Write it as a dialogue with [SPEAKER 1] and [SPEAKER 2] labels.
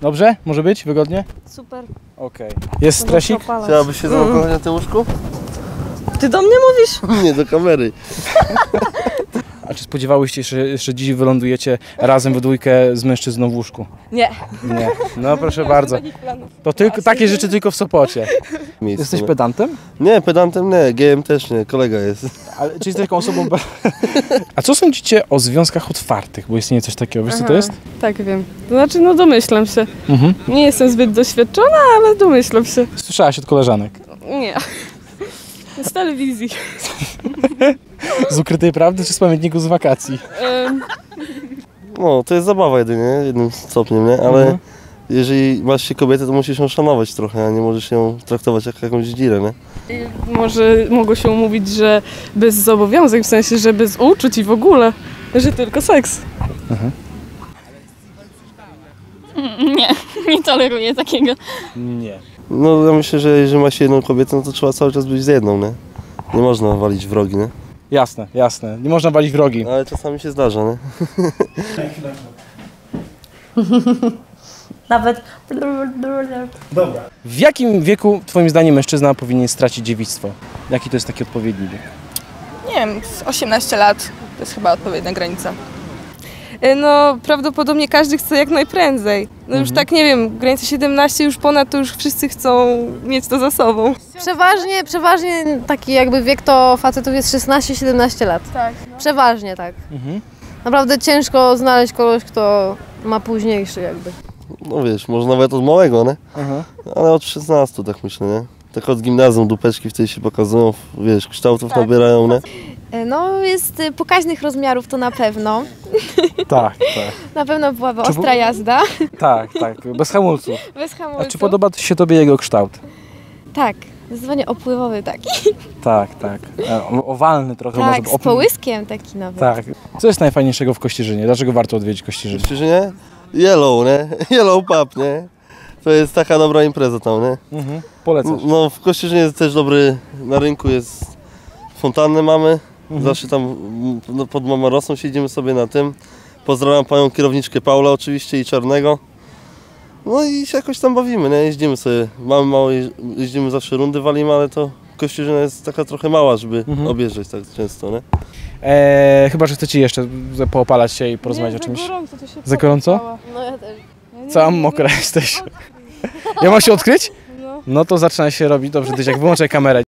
[SPEAKER 1] Dobrze? Może być? Wygodnie?
[SPEAKER 2] Super.
[SPEAKER 1] Okej. Jest stresik?
[SPEAKER 3] Chciałabyś się założyć na tym łóżku?
[SPEAKER 2] Ty do mnie mówisz?
[SPEAKER 3] Nie, do kamery.
[SPEAKER 1] A czy spodziewałyście się, że dziś wylądujecie razem we dwójkę z mężczyzną w łóżku?
[SPEAKER 2] Nie.
[SPEAKER 1] Nie. No proszę bardzo. To tylko takie rzeczy tylko w Sopocie. Jesteś pedantem?
[SPEAKER 3] Nie, pedantem nie, gejem też nie, kolega jest.
[SPEAKER 1] Ale czy jesteś taką osobą... A co sądzicie o związkach otwartych? Bo istnieje coś takiego. Wiesz co to jest?
[SPEAKER 4] Tak, wiem. To znaczy, no domyślam się. Nie jestem zbyt doświadczona, ale domyślam się.
[SPEAKER 1] Słyszałaś od koleżanek.
[SPEAKER 4] Nie. Z telewizji.
[SPEAKER 1] Z ukrytej prawdy czy z pamiętników z wakacji?
[SPEAKER 3] No, to jest zabawa jedynie, jednym stopniem, nie? Ale jeżeli masz się kobietę, to musisz ją szanować trochę, a nie możesz ją traktować jak jakąś dzirę, nie?
[SPEAKER 4] Może mogło się umówić, że bez zobowiązań, w sensie, że bez uczuć i w ogóle, że tylko seks.
[SPEAKER 5] Nie toleruję takiego.
[SPEAKER 1] Nie.
[SPEAKER 3] No, ja myślę, że jeżeli ma się jedną kobietę, no to trzeba cały czas być z jedną, nie? Nie można walić wrogi, nie?
[SPEAKER 1] Jasne, jasne. Nie można walić wrogi.
[SPEAKER 3] Ale czasami się zdarza, nie?
[SPEAKER 2] Nawet...
[SPEAKER 1] W jakim wieku twoim zdaniem mężczyzna powinien stracić dziewictwo? Jaki to jest taki odpowiedni wiek?
[SPEAKER 6] Nie wiem, 18 lat to jest chyba odpowiednia granica.
[SPEAKER 4] No, prawdopodobnie każdy chce jak najprędzej. No już tak, nie wiem, granica 17 już ponad, to już wszyscy chcą mieć to za sobą.
[SPEAKER 7] Przeważnie taki jakby wiek to facetów jest 16-17 lat.
[SPEAKER 6] Tak.
[SPEAKER 7] Przeważnie tak. Naprawdę ciężko znaleźć kogoś, kto ma późniejszy jakby.
[SPEAKER 3] No wiesz, może nawet od małego, nie? Ale od 16 tak myślę, nie? Tak od gimnazjum dupeczki wtedy się pokazują, wiesz, kształtów nabierają, nie?
[SPEAKER 8] No jest pokaźnych rozmiarów to na pewno.
[SPEAKER 1] Tak, tak.
[SPEAKER 8] Na pewno byłaby ostra jazda.
[SPEAKER 1] Tak, bez hamulców.
[SPEAKER 8] Bez hamulców.
[SPEAKER 1] A czy podoba się tobie jego kształt?
[SPEAKER 8] Tak, zdecydowanie opływowy taki.
[SPEAKER 1] Tak. Owalny trochę może.
[SPEAKER 8] Tak, z połyskiem taki nawet.
[SPEAKER 1] Tak. Co jest najfajniejszego w Kościerzynie? Dlaczego warto odwiedzić Kościerzyn?
[SPEAKER 3] Myślisz, nie? Yellow, nie? Yellow Pub, nie? To jest taka dobra impreza tam, nie?
[SPEAKER 1] Polecasz.
[SPEAKER 3] No w Kościerzynie jest też dobry, na rynku jest fontannę mamy. Zawsze tam pod Mamorosą siedzimy sobie na tym. Pozdrawiam panią kierowniczkę Paulę oczywiście i Czarnego. No i się jakoś tam bawimy, nie? Jeździmy sobie, mamy mało, jeździmy zawsze rundy walimy, ale to Kościerzyna jest taka trochę mała, żeby objeżdżać tak często, nie?
[SPEAKER 1] Chyba, że chcecie jeszcze poopalać się i porozmawiać o czymś.
[SPEAKER 4] Za gorąco, to się
[SPEAKER 1] Za gorąco?
[SPEAKER 7] No ja też.
[SPEAKER 1] Cała mokra jesteś. Ja mam się odkryć? No to zaczyna się robić. Dobrze, Dyś, jak wyłączę kamerę.